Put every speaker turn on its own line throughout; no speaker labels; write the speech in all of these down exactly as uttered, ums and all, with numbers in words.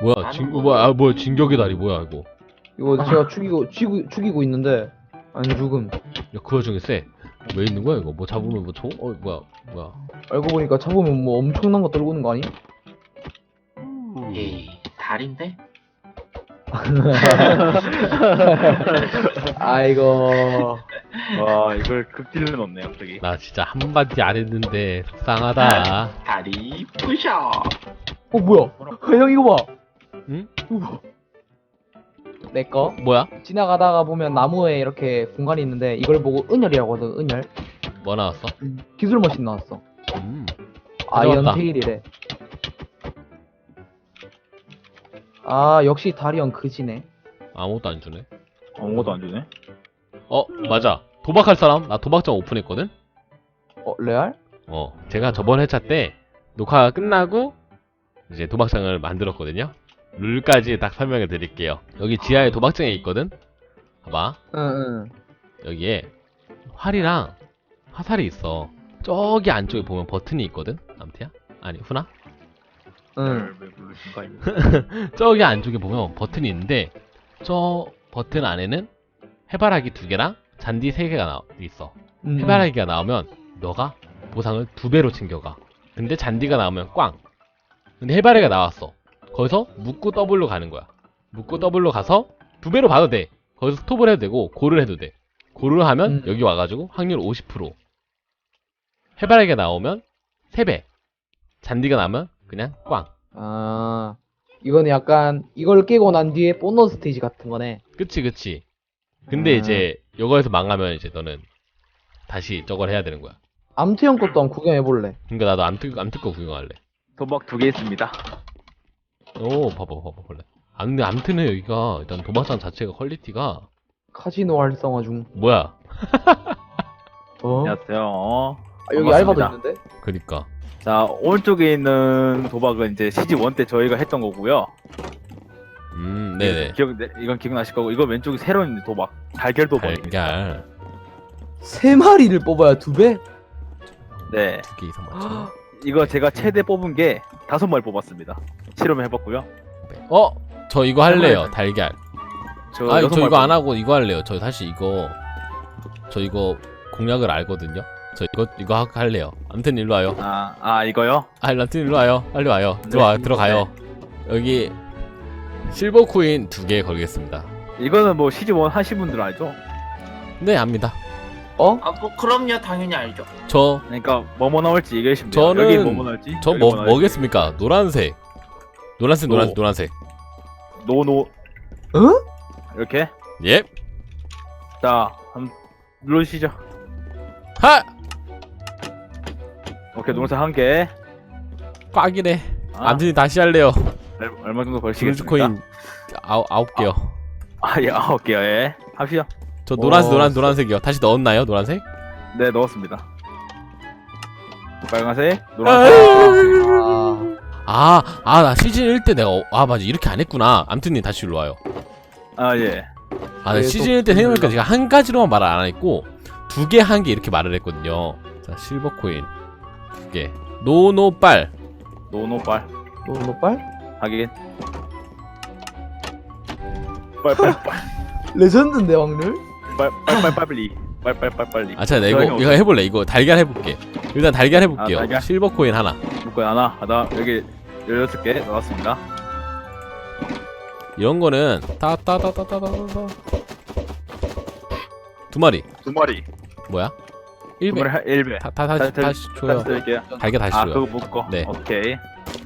뭐야 진 뭐야 아 뭐야 진격의 다리 뭐야 이거.
이거 제가 죽이고 죽이고 죽이고 있는데 안 죽음.
야 그 와중에 쎄. 왜 있는 거야 이거? 뭐 잡으면 뭐 총? 어 뭐야 뭐야.
알고 보니까 잡으면 뭐 엄청난 거 떨고 있는 거 아니?
에이, 달인데?
아이고.
와 이걸 극딜로 넣네 갑자기.
나 진짜 한마디 안 했는데 속상하다.
다리 부셔.
어 뭐야? 형 이거 봐.
응?
이거 봐. 내 거.
뭐야?
지나가다가 보면 나무에 이렇게 공간이 있는데 이걸 보고 은열이라고 하거든. 은열.
뭐 나왔어?
기술 머신 나왔어.
음.
아이언
가져왔다.
테일이래. 아 역시 다리언 그지네.
아무것도 안 주네.
아무것도 안 주네.
어 맞아. 도박할 사람? 나 도박장 오픈했거든?
어 레알?
어 제가 저번 회차 때 녹화가 끝나고 이제 도박장을 만들었거든요. 룰까지 딱 설명해 드릴게요. 여기 지하에 도박장이 있거든? 봐봐.
응응.
여기에 활이랑 화살이 있어. 저기 안쪽에 보면 버튼이 있거든? 암태야? 아니 훈아?
응.
왜 부르신가 이거.
저기 안쪽에 보면 버튼이 있는데 저 버튼 안에는 해바라기 두 개랑 잔디 세 개가 나 있어.
응.
해바라기가 나오면 너가 보상을 두 배로 챙겨가. 근데 잔디가 나오면 꽝. 근데 해바라기가 나왔어. 거기서 묶고 더블로 가는 거야. 묶고 더블로 가서 두 배로 봐도 돼. 거기서 스톱을 해도 되고 고를 해도 돼. 고를 하면
음.
여기 와가지고 확률 오십 퍼센트. 해바라기가 나오면 세 배. 잔디가 나오면 그냥 꽝.
아 이거는 약간 이걸 깨고 난 뒤에 보너스 스테이지 같은 거네.
그치 그치. 근데
아.
이제 이거에서 망하면 이제 너는 다시 저걸 해야 되는 거야.
암트 형 것도 한번 구경해볼래.
그러니까 나도 암특 암특 거 구경할래.
도박 두 개 있습니다.
오 봐봐 봐봐 볼래. 아 근데 암트는 여기가 일단 도박장 자체가 퀄리티가
카지노 활성화 중.
뭐야.
어?
안녕하세요. 어.
아, 여기
반갑습니다.
알바도 있는데?
그니까.
자 오른쪽에 있는 도박은 이제 시즌 일 때 저희가 했던 거고요.
음 네네.
기억 네, 이건 기억나실 거고 이거 왼쪽이 새로운 도박 달걀 도박입니다.
달걀
세 마리를 뽑아야 두 배?
네.
두 개 이상 맞죠?
이거 제가 최대 뽑은 게 다섯 마리 뽑았습니다. 실험을 해봤고요.
어? 저 이거 할래요. 달걀.
저
아,
여섯
저
마리
이거 안
뽑-
하고 이거 할래요. 저 사실 이거 저 이거 공략을 알거든요. 저 이거 이거 하- 할래요. 아무튼 일로 와요.
아, 아 이거요?
아, 아무튼 일로 와요. 빨리 와요. 들어와
네.
들어가요. 여기 실버 코인 두 개 걸겠습니다.
이거는 뭐 시즌 일 하신 분들 알죠?
네, 압니다.
어?
아, 뭐 그럼요, 당연히 알죠.
저
그러니까 뭐뭐 나올지 얘기해 주시면 돼요.
저는-
여기 뭐뭐 나올지.
저
여기
뭐
나올지.
뭐겠습니까? 노란색. 노란색
노.
노란색 노란색.
노노
어?
이렇게.
예.
자, 한번 눌러주시죠.
하!
오케이, 노란색 한 개.
꽉이네.
아,
암튼 다시 할래요.
얼- 얼마 정도
브루즈
벌시겠습니까?
코인 아홉 아홉 개요.
아, 예, 아홉 개요. 예. 합시다.
저 노란색
오,
노란 노란색이요. 다시 넣었나요? 노란색?
네, 넣었습니다. 빨간색, 노란색.
아,
아, 아, 나 시즌 일 때 내가, 어- 아, 맞아. 이렇게 안 했구나. 암튼님 다시 일로 와요.
아, 예.
아, 나
계속
시즌 일 때 생각해보니까
눌러.
제가 한 가지로만 말을 안 했고, 두 개, 한 개 이렇게 말을 했거든요. 자, 실버 코인. 두 개. 노노빨.
노노빨.
노노빨?
하긴. 빨빨빨.
레전드인데 확률?
빨빨빨빨리. 빨빨빨빨리.
아, 자, 나 이거, 이거 해볼래. 이거 달걀 해볼게. 일단 달걀 해볼게요.
아, 달걀?
실버 코인 하나.
묶어 하나, 하나, 여기 열여섯 개 넣었습니다.
이런 거는, 따, 따, 따, 따, 따, 따, 따. 두 마리.
두 마리.
뭐야?
두
일 배.
마리 한 일 배.
다, 다, 다시,
다- 다-
다시 줘요.
다시 드릴게요.
달걀 다시
아,
줘요.
그거 묶어.
네.
오케이.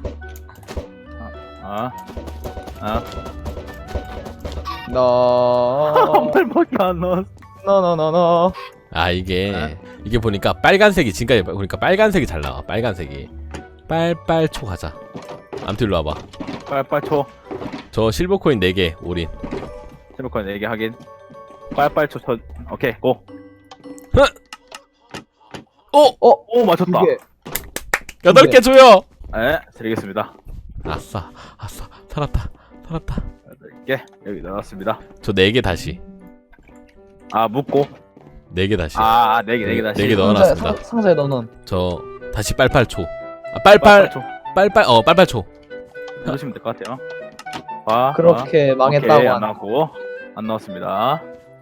아, 아,
나...
한 발밖에 안 넣었어.
나나나나
아 이게
아.
이게 보니까 빨간색이 지금까지 보니까 빨간색이 잘 나와. 빨간색이 빨빨초 가자. 아무튼 일로 와봐.
빨빨초.
저 실버 코인 네 개 올인.
세모컨 네 개 하긴. 빨빨초 천. 오케이, 고.
오!
어?
오, 맞췄다.
이게
여덟 개 줘요.
네, 드리겠습니다.
아싸 아싸 살았다 살았다.
여덟 개 여기 넣었습니다.
저 네 개 다시.
아, 묶고.
네 개 다시.
아, 네 개, 네 개 다시.
네 개 넣어.
상자에,
넣어놨습니다.
상, 상자에 넣어놓은
저 다시 빨빨초. 아 빨빨
빨빨초.
빨빨 어 빨빨초.
넣으시면 될 것 같아요. 봐.
그렇게
봐.
망했다고
오케이, 안
하나.
나왔고 안 나왔습니다.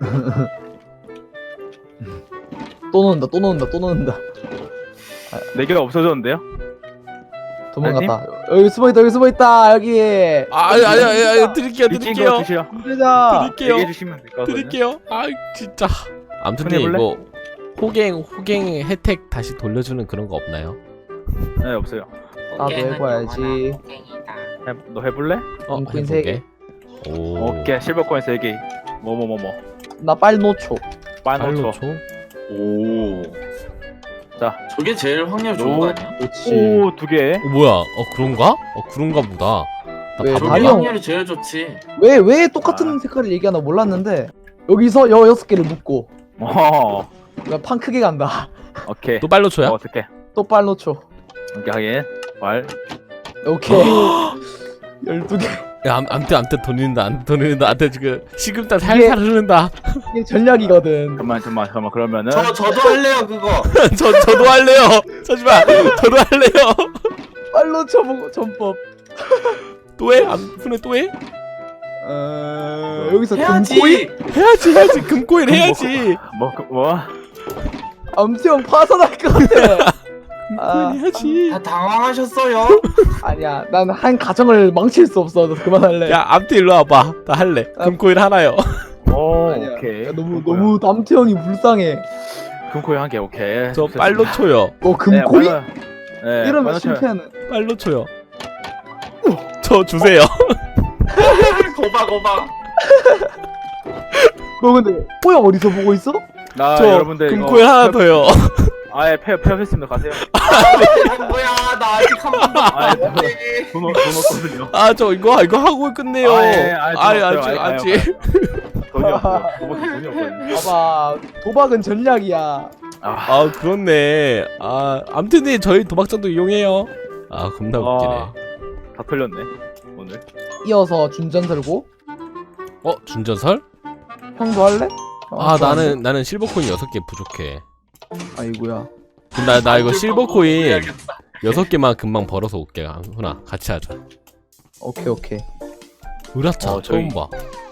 또 넣는다 또 넣는다 또 넣는다.
네 개가 없어졌는데요?
도망갔다. 여기 숨어있다 여기 숨어있다 여기.
아, 아니, 아니, 아니, 아니, 드릴게요,
미친 거
드릴게요.
드시오.
힘들다.
드릴게요.
얘기해 주시면 될 것 같거든요.
드릴게요. 아, 진짜. 아무튼
손해볼래?
이거 호갱, 호갱 혜택 다시 돌려주는 그런 거 없나요?
네, 없어요.
나도 해봐야지.
해, 너 해볼래?
어,
음, 퀸
해볼게. 오.
오케이, 실버코인 세 개. 뭐 뭐 뭐 뭐.
나 빨리 놓쳐.
팔로
빨노초.
초.
오.
자,
저게 제일 확률 좋은 거 아니야?
그렇지.
오, 두 개.
어, 뭐야? 어, 그런가? 어, 그런가 보다. 나
왜,
바로
저게
다리 형.
확률이 제일 좋지.
왜 왜 똑같은 색깔을 얘기하나 몰랐는데 여기서 여 여섯 개를 묶고
어,
나 판 크게 간다.
오케이.
또 빨로 초야?
어, 어떻게?
또 빨리 놓쳐.
오케이, 하긴. 말.
오케이. 열두 개.
야, 암, 암튼, 암튼 돈 잃는다, 암튼 돈 잃는다. 암튼 지금 식음땀
이게-
살살 흐른다.
이게 전략이거든.
잠깐만, 잠깐만, 잠깐만. 그러면은
저 저도 할래요 그거.
저, 저도 할래요. 잠시만. 저도 할래요.
빨리 놓쳐보고 전법.
또 해? 암, 훈에 또 해?
어... 여기서
해야지.
금코인?
해야지, 해야지. 금코인 해야지.
뭐, 그- 뭐?
암수형 파산할 것 같아. 아,
금코인 해야지.
다 당황하셨어요?
아니야. 난 한 가정을 망칠 수 없어. 너 그만할래.
야, 암튼 일로 와봐. 나 할래.
아.
금코인 하나요.
오,
아니야.
오케이.
야, 너무
금코인.
너무 남태형이 불쌍해.
금코인 한 개, 오케이.
저 빨로 초요.
어 금코인?
네, 네,
이러면
빨로 쳐요.
실패하는.
빨로 초요. 저 주세요.
고바 고바.
너 근데 호영 어디서 보고 있어?
나
저
여러분들
금코인
이거
하나 더요.
아예 폐업 폐업했습니다. 가세요.
뭐야 나 아직 한 번도
아,
안 봤는데.
돈, 돈 없거든요.
아, 저 이거 이거 하고 끝내요.
아, 예, 아, 돈
아니,
없어요.
아직
아니, 아니,
아직.
돈이 없어요. 돈밖에 돈이 없거든요.
봐봐. 도박은 전략이야.
아,
아, 그렇네. 아, 암튼이 저희 도박장도 이용해요. 아, 겁나
아.
웃기네.
다 털렸네 오늘.
이어서 준전 들고
어, 준전설?
형도 할래? 어,
아,
좋아하는데?
나는 나는 실버 코인 여섯 개 부족해.
아이고야.
나 나 이거
안
실버
줄
코인
거고 해야겠다.
여섯 개만 금방 벌어서 올게. 훈아, 같이 하자.
오케이 오케이.
으라차
어,
처음
저기-
봐.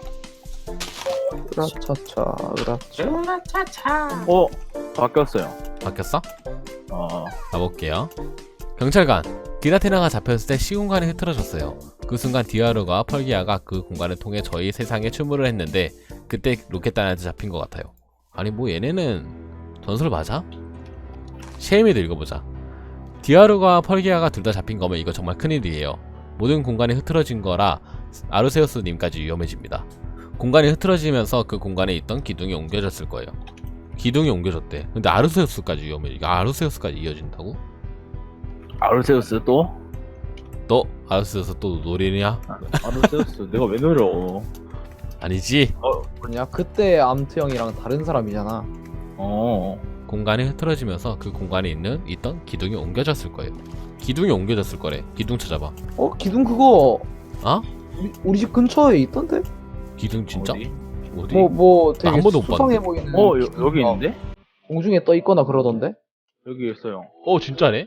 으라차차 으라차.
으라차차.
어, 바뀌었어요.
바뀌었어?
어,
가볼게요. 경찰관. 디나테나가 잡혔을 때 시공간이 흐트러졌어요. 그 순간 디아르가 펄기아가 그 공간을 통해 저희 세상에 출몰을 했는데 그때 로켓단한테 잡힌 것 같아요. 아니 뭐 얘네는 전설 맞아? 셰미도 읽어보자. 디아르가 펄기아가 둘 다 잡힌 거면 이거 정말 큰일이에요. 모든 공간이 흐트러진 거라 아르세우스님까지 위험해집니다. 공간이 흐트러지면서 그 공간에 있던 기둥이 옮겨졌을 거예요. 기둥이 옮겨졌대. 근데 아르세우스까지 위험해. 이거 아르세우스까지 이어진다고?
아르세우스 또?
너 아르세우스 또 노리냐?
아르세우스 내가 왜 노려?
아니지.
뭐냐? 그때 암트 형이랑 다른 사람이잖아.
어,
공간이 흐트러지면서 그 공간에 있는 있던 기둥이 옮겨졌을 거예요. 기둥이 옮겨졌을 거래. 기둥 찾아봐.
어 기둥 그거
어?
우리, 우리 집 근처에 있던데?
기둥 진짜?
어디?
어디?
뭐 뭐
나
되게
한 번도 못
수상해 보이는.
어, 여,
기둥,
여기
어,
있는데?
공중에 떠 있거나 그러던데?
여기 있어요.
어 진짜네?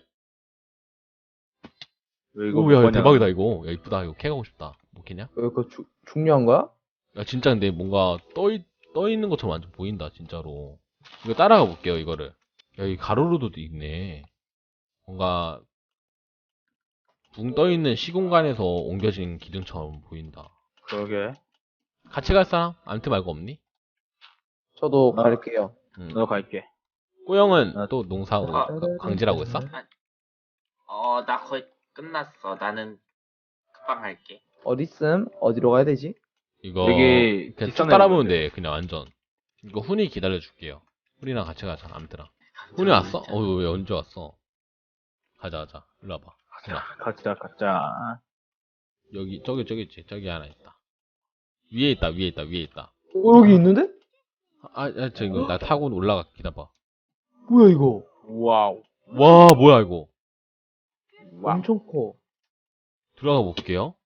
왜 이거
오야
뭐냐?
대박이다 이거. 야 이쁘다 이거 캐가고 싶다. 뭐 캐냐?
왜 그거 주, 중요한 거야?
야 진짜 근데 뭔가 떠, 있, 떠 있는 것처럼 완전 보인다 진짜로. 이거 따라가 볼게요 이거를. 야 이 가로로도 있네. 뭔가 붕 떠 있는 시공간에서 옮겨진 기둥처럼 보인다.
그러게.
같이 갈 사람? 암트 말고 없니?
저도
아.
갈게요.
응.
너 갈게.
꼬영은
아,
또 농사
아,
광질하고 있어?
어 나 거의 끝났어. 나는 금방 할게.
어디쯤? 어디로 가야 되지?
이거
되게
그냥 쭉
비싼
따라보면
애인데.
돼 그냥 완전. 이거 훈이 기다려줄게요. 훈이랑 같이 가자 암트랑. 훈이 왔어? 어 왜 언제 왔어? 가자 가자 일로 와봐. 훈아
가자, 가자.
여기 저기 저기 있지 저기 하나 있다. 위에 있다 위에 있다 위에 있다.
어, 여기 있는데?
아, 아 저 이거 나 타고 올라가 기다봐.
뭐야 이거?
와우.
와 뭐야 이거.
와우.
엄청 커.
들어가 볼게요.